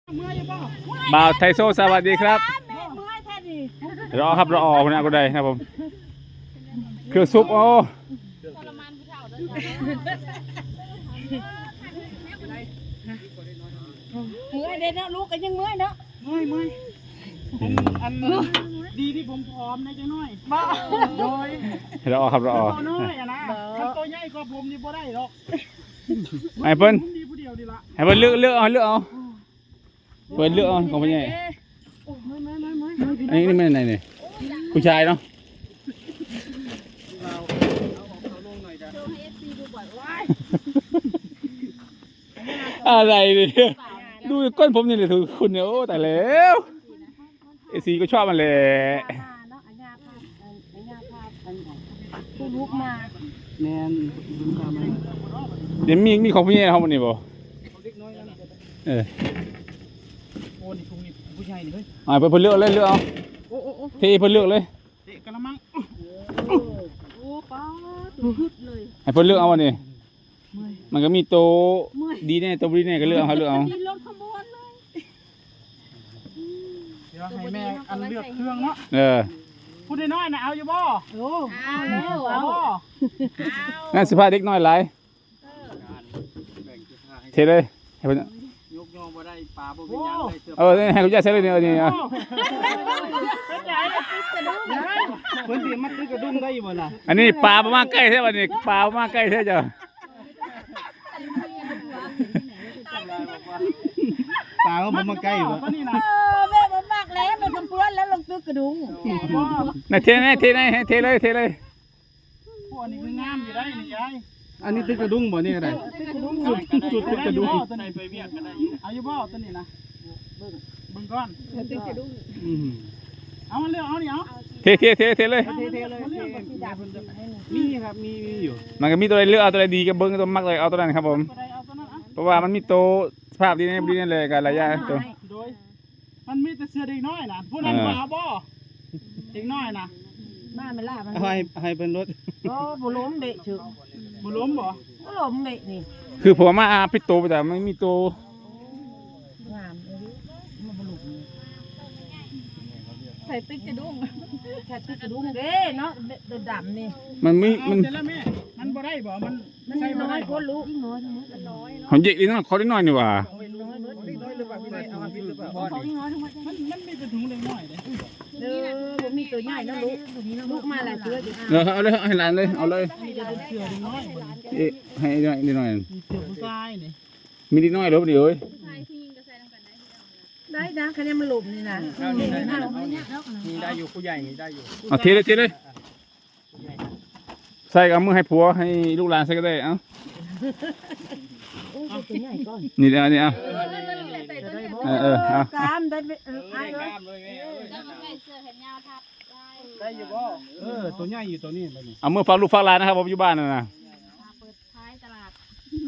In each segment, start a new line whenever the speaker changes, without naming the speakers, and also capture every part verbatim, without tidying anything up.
บ่าวไทโซสวัสดีครับรอครับรอออกนะก็ได้ครับผมเครื่องซุปโอ้
เมื่อยเด้เนาะลูกก็ยังเมื่อยเนาะ
เมื่อยเมื่อยอันดีที่ผมพร้อมนะจังน้อยบ้าโดย
รอครับรออ
น้อยอะนะถ้าตัวใหญ่กว่าผมนี่บ่ได้หรอก
ไอ้เพิ่น
ดีผู้เดียวดีละ
ไอ้เพิ่นเลือกเลือกเอาเลือกเอาเพิ่นเลือกเอาของพี่ใหญ่อันนี้นี่มันไหนเนี่ยผู้ชายเนาะอะไรเนี่ยดูก้นผมนี่เลยถือคุณเนี่ยโอ้แต่แล้วเอซีก็ชอบมันเลย
ลูกมา
แมน
เดี๋ยวมีมีของพี่เนี่ยเขามันนี่บ่เออ
โอ้นี่ถุงนี่ผู้ชายนี่เฮ้ย
อ่าเพิ่นเลือกเลยเลือกเอาเทเพิ่นเลือกเลย
เตะกระมัง
โอ้ป้าตัวฮึดเลย
ให้เพิ่นเลือกเอาวันนี้มันก็มีโตดีแน่โตดีแน่ก็เลือกเอาเลือกเอา
รถขบวนเลย
เดี๋ยวให้แม่อันเลือกเครื่องเนาะ
เออ
พูดน้อยนะเอาอยู่บ่
โอ้เอาแล้วเอา
งั้นสิพาเด็กน้อยหลายเทเลยให้เพิ่น
ยกยองบ่ได้ปลาบ่เป็นหยังได้เสื้อ
เออให้เขาจะใช้เลยเนี่ยนี่อ่ะ
เพิ่นสิมาตึกกระดุมได้บ่ล่ะ
อันนี้ปลาประมาณใกล้แท้บัดนี้ปลาประมาณใกล้แท้จ้ะ
ปลาก็บ่มาใกล้บ่นี่นะ
เออแม่บ่มากแล้วมันทำเพื่อนแล้วลงตึกกระดุง
น่ะเทไหนเทไหนเทเลยเทเลย
พวกนี้คืองามอยู่ได้นี่ยายอันนี้ตึกกระดุงบ่นี่ก็ได้ตึกกระดุงสุดสุดตึกกระดุงตัวไหนไปเวียดก็ได้อยู่เอาอยู่บ่ตัวนี้นะเบิ่งเบิ่งก่อน
ตึกกระดุง
อืมเอามาเลือกเอานี่เอา
เทเทเทเทเลย
เทเทเลยมีครับมีมีอยู่
มันก็มีตัวใดเลือกเอาตัวใดดีก็เบิ่งตัวมักเลยเอาตัวนั้นครับผมเพราะว่ามันมีโตสภาพดีแน่ดีแน่เลยกันหลายอย่างตัว
โดยมันมีแต่เสื้อเด็กน้อยนะผู้นั้นบ่เอาบ่เด็กน้อยนะ
มาไม่ล่ามัน
ให้ให้เป็นรถ
โอ้บ่ล้มเบะฉึก
บ่ล้มบ่
บ่ล้มเบะนี่
คือผมมาอาพิโตแต่ไม่มีโต
งามเลยมันบ่ล้มใส่ติ๊กกระดุงแค่ติ๊กกระดุงเด้เนาะดำนี่
มันมีมัน
มันบ่ได้บ่มัน
มันน้อยคนลูกน้อยทั้งหมดน้อย
เนาะเด็กนี่เนาะเขาได้น้อยนี่ว่า
มันมีเป็นถุงเล็กน้อยเด้
เออบ่มีตัวใหญ่นะลูกลูกมาหลายตัวอยู่
เออเอาเลยให้หลานเลยเอาเลยเอ๊ะให้น้อยนิดหน่อย
เสือผู้ชายนี่
มีนิดหน่อยลบดิเอ้ย
ได้นะคะแนนมันหลุมนี่นะ
มีได้อยู่ผู้ใหญ่มีได้อยู่
เอาเทเลยเทเลยใส่กับมือให้ผัวให้ลูกหลานใส่ก็ได้เอ้านี่เดี๋ยวนี่เอาเออเออเอา
กามได้เออไอ้เลย
ได้อยู่บ่เออตัวใหญ่อยู่ตัวนี้
เอามือฝากลูกฝากหลานนะครับผมอยู่บ้านน่ะนะ
เปิดท้ายตลาด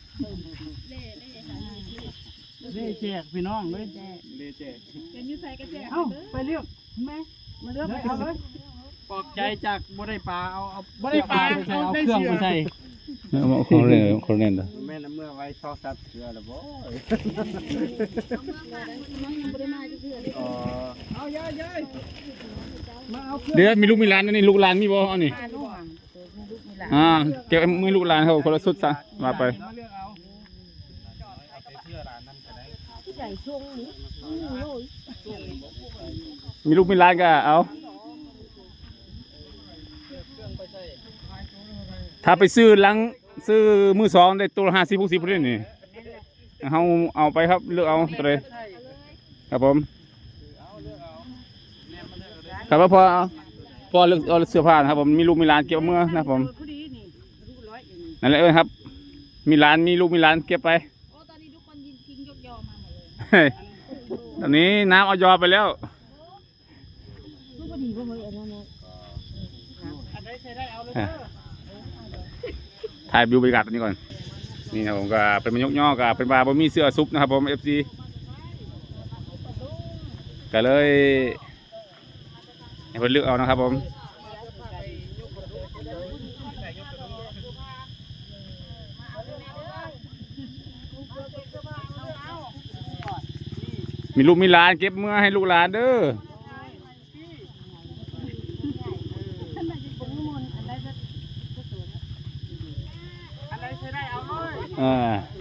เล่แจกพี่น้องเลยเล่แจก
เป็นยูไซก็แจก
เอ้าไปเรียกแม่มาเรียกเอาเลยปลอบใจจากบ่ได้ปลาเอาเอาบ่ได้ปลาไปใส่เอาเครื่องไปใส่
เอาของเล่นของเล่นเด้อ
แม่น้ำเมื่อไว้ชอบซับเสือแล้วบ่อ๋อเอายายยาย
มาเอาเดี๋ยวมีลูกมีหลานนี่ลูกหลานมีบ่เอานี่อ่าเก็บมือลูกหลานเขาคนละสุดซะมาไปมีลูกมีหลานก็เอาถ้าไปซื้อลังซื้อมือสองได้ตัวห้าสิบหกสิบเล่นนี่เขาเอาไปครับเลือกเอาตัวเลยครับผมครับพอพอเลือกเอาเสื้อผ้านะครับผมมีลูกมีหลานเก็บเมื่อนะผมนั่นแหละเออครับมีหลานมีลูกมีหลานเก็บไปตอนนี้ทุกคนยิงทิ้งยกยอมาหมดเลยตอนนี้น้ำเอายอไปแล้วถ่ายวิวบรรยากาศตรงนี้ก่อนนี่นะผมก็เป็นมันยกย่อกับเป็นบาร์บะหมี่เสื้อซุปนะครับผมเอฟซีก็เลยให้เพื่อนเลือกเอานะครับผมมีลูกมีหลานเก็บเมื่อให้ลูกหลานเด้อ
อะไรใช้ได้เอาเลย
อ่า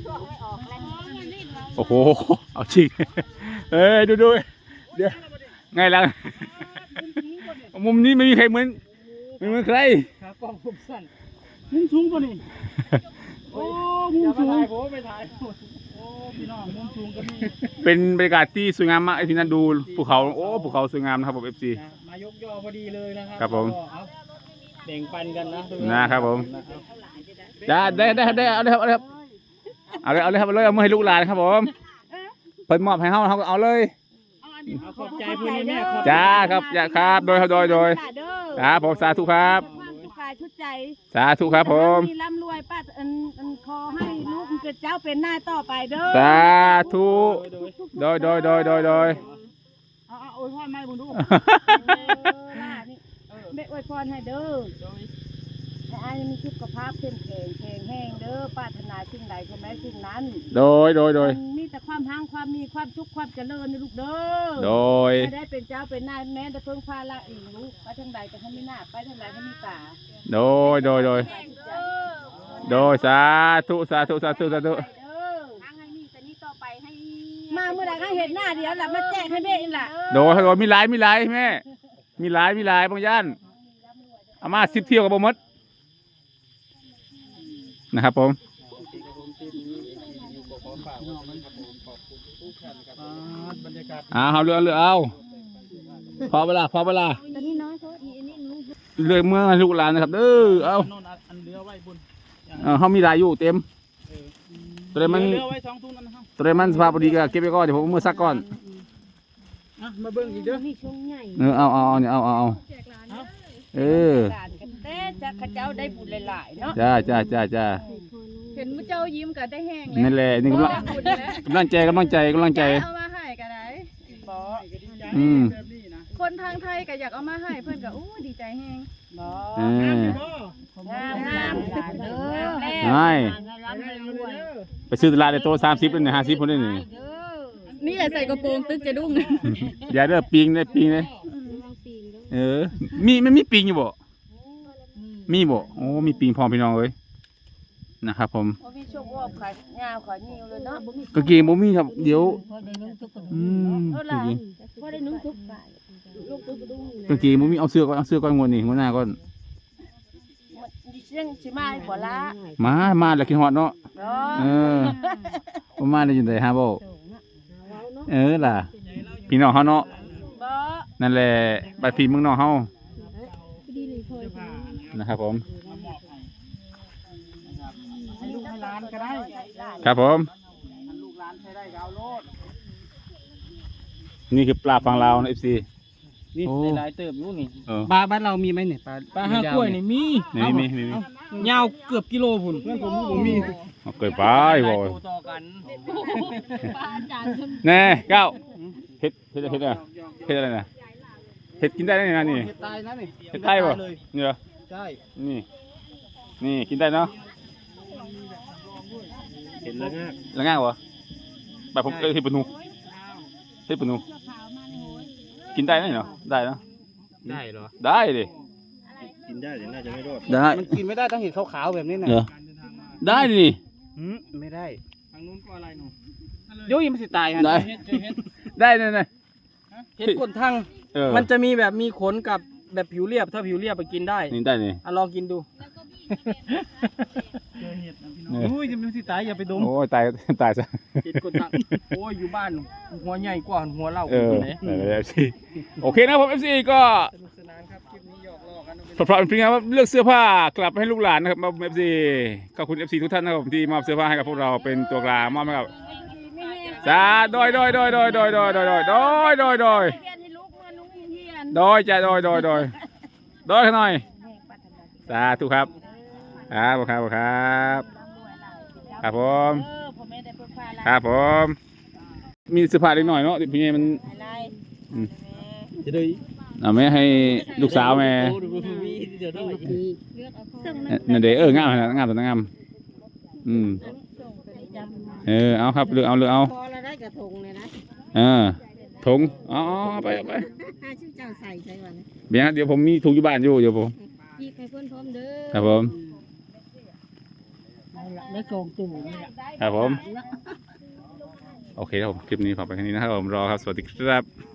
โอ้โหเอาจริงเอ้ยดูดูเดี๋ยวไงล่ะมุมนี้ไม่มีใครเหมือนไม่เหมือนใคร
ครับกล้องผมสั้นมุมสูงป่ะนี่โอ้มุมสูงผมไปถ่ายโอ้พี่น้องมุมสูงก็มี
เป็นบรรยากาศที่สวยงามมากไอ้ที่นั่นดูภูเขาโอ้ภูเขาสวยงามนะครับผมเอฟซี
มายกยอพอดีเลยนะครั
ครับผม
เอาแบ่งปันกันนะ
นะครับผม ได้ได้ได้ได้เอาเลยครับเอาเลยครับเอาเลยเอาเลยครับเอาเลยเอามาให้ลูกหลานครับผมเพิ่นมอบให้เฮาเขาก็เอาเลย
เอาขอบใจเพื่อนนี่แม่ขอบ
จ้าครับจ้าครับโดยโดยโดยครับผมสาธุครับ
ความสุขกายชุดใจ
สาธุครับผม
มีร่ำรวยป้าอันอันคอให้ลูกเกิดเจ้าเป็นหน้าต่อไปเด้อ
สาธุโดยโดยโดยโดยโดย
เอาเอาโอ้ยพ่อไม่บุญดู
แม่อวยพรให้เด้อให้อายมีสุขภาพเข้มแข็งแข็งแห้งเด้อปรารถนาสิ่งใดใช่ไหมสิ่งนั้น
โดยโดยโดย
มันมีแต่ความหังความมีความสุขความเจริญนะลูกเด้อ
โดย
ไม่ได้เป็นเจ้าเป็นนายแม้แต่เพิ่งพาละอีกลูกไปทางใดก็ให้มีหน้าไปทางใดให้มีตา
โดยโดยโดยโดยสาธุสาธุสาธุสาธุ
เด้อทางให้มีแต่นี้ต่อไปให้มาเมื่อไหร่ก็เห็นหน้าเดียวล่ะมาแจ้งให้แม่อีกล่ะ
โดยโดยมีหลายมีหลายแม่มีหลายมีหลายบางย่านเอามาสิบเที่ยวกับบ่หมดนะครับผม
บรรยากาศ
อ่าเอาเรือเรือเอาพอเวลาพอเวลา
ตอนนี้น้อยเขาอีอันนี้ลูก
เรือเมื่อให้ลูกหลานนะครับเด้อเอา
โน่นอันเรือไว้บน
เออเขามีหลายอยู่เต็ม
เออ
ตัวใดมัน
เรือไว้สองตุ้นนั่นนะครับ
ตัวใดมันสภาพพอดีก็เก็บไว้ก่อนเดี๋ยวผมเอามือซักก่อน
อ่ะมาเบิ่งอีกเด้อ
มีช่วงใหญ่
เออเอาเอาเอาเนี่ยเอาเอาเอาเออ
การกันเต้จะข้าเจ้าได้บุญหลายๆเนาะ
จ้าจ้าจ้าจ้า
เห็นมุเจ้ายิ้มกับได้แห้ง
นั่นแหละนี่กำลัง
บุญแล้ว
กำลังใจกำลังใจกำลังใจ
เอามาให้ก็ได้
บ่
อืม
แบบนี้นะ
คนทางไทยก็อยากเอามาให้เพื่อนก็โอ้ดีใจแห้ง
บ่
เออ
งามงามเด้อ
ไม่ ไปซื้อตลาดในโต๊ะสามสิบเป็นห้าสิบคนได้หนึ่ง
นี่แหละใส่กระโปรงตึกจะดุ้ง
อย่าเด้อปิงเลยปิงเลยเออ มีไม่มีปิงอยู่บ่ มีบ่โอ้มีปิงพร้อมพี่น้องเลยนะครับผม
บ่มีโชควอบขายงาวขายนิ้วเลยเนาะบ่มี
กางเกงบ่มีครับเดี๋ยวอืม
เท่าก
างเกง
บ่ได้นุ่งทุกข์ลูกตุ๊กดุ้ง
กางเกงบ่มีเอาเสื้อก่อนเอาเสื้อก่อนงวดนี้งวดหน้าก่อน
ดิเสียงสิมาให้บ่ละ
มามาแล้วคิดฮอดเนาะ
เนาะ
เออบ่มาได้จังได๋ฮะบ่เออล่ะพี่น้องเฮาเนาะ
บ่
นั่นแหละบัดพี่เมืองนอกเฮานะครับผม
มามอบให้นะครับให้ลูกให้หลานก็ได้
ครับผม
ให้ลูกหลานใช้ได้ก็เอาโลด
นี่คือปลาฝั่งลาวนะ เอฟ ซี
นี่
โอ้
หลายเติบอยู่นี่
เออ
ปลาบ้านเรามีไหมเนี่ยปลาปลาห้ากล้วยนี่มี
นี่มีมีมี
ยาวเกือบกิโลพุ่นเพื่อนผมผมมี
เอาเกิดไปบ่
ต่อกัน
แน่เก้าเฮ็ดเฮ็ดเฮ็ดอะไรเฮ็ดอะไรนะเฮ็ดกินได้ไหมนะนี่
เห็ดตายนะนี่
เฮ็ดไทยบ่
เลย
นี่เหรอ
ใช่
นี่ นี่กินได้เนาะ
เห็นแล้วง่าย
แล้วง่ายบ่แบบผมเคยเฮ็ดปนูเฮ็ดปนูกินได้ไหมเนาะได้เนาะ
ได้เหรอ
ได้ดิ
กินได้แต่น่าจะไม่รอด
ได้
มันกินไม่ได้ต้องเห็ดขาวๆแบบนี้นะ
เหรอได้ดิ
หืมไม่ได้ทางนู้นก็อะไรหนูโย่ยมันสิตายฮะ
ได้
เห็ดเห็ด
ได้เนี่ยเนี่ย
เห็ดกดทั้ง
เออ
มันจะมีแบบมีขนกับแบบผิวเรียบถ้าผิวเรียบไปกินได้
นี่ได้นี่
อ่ะลองกินดูเจอเห็ดนะพี่น้องอุ้ยจะมันสิตายอย่าไปดม
โอ้ยตายตายซะ
เห็ดกดทั้งโอ้ยอยู่บ้านหัวใหญ่กว่าหัวเล่า
เออ
ไหน
นั่นแหละ เอฟ ซี โอเคนะครับผม เอฟ ซี ก็
สนุกสนานครับคลิปนี้หยอกล้อกันเอา
พร้อมๆเป็นครับเลือกเสื้อผ้ากลับให้ลูกหลานนะครับมา เอฟ ซี ขอบคุณ เอฟ ซี ทุกท่านนะครับผมที่มอบเสื้อผ้าให้กับพวกเราเป็นตัวกลางมอบให้กับจ้าโดยโดยโดยโดยโดยโดยโดยโดยโดยโดยโดย
เรียนให้ลูกเมื่อลุงเฮียน
โดยจ้าโดยโดยโดยโดยหน่อยสาธุครับครับครับครับครับผม
เออผมไม่ได้เพิ่งพาละ
ครับผม มีเสื้อผ้าเล็กหน่อยเนาะพี่เมย์มัน
อะไร
อืม
จะได้
เอาไหมให้ลูกสาวแม่
เดี๋ยวด้วย
นั่นเด้อเอองามนะงามตัวงามอืมเออเอาครับเลือกเอาเลือกเอา
พอเราได้กระทงเลยนะ
เออถุงอ๋อเอาไปเอาไป
ห้าชื่อเจ้าใส่ใช่ก่อนนะ
เบียร์เดี๋ยวผมมีถุงอยู่บ้านอยู่เดี๋ยวผม
พี่ใครเพิ่นพร้อมเด้อ
ครับผม
ได้กองตู่นี่แหละ
ครับผมโอเคครับผมคลิปนี้ฝากไปแค่นี้นะครับผมรอครับสวัสดีครับ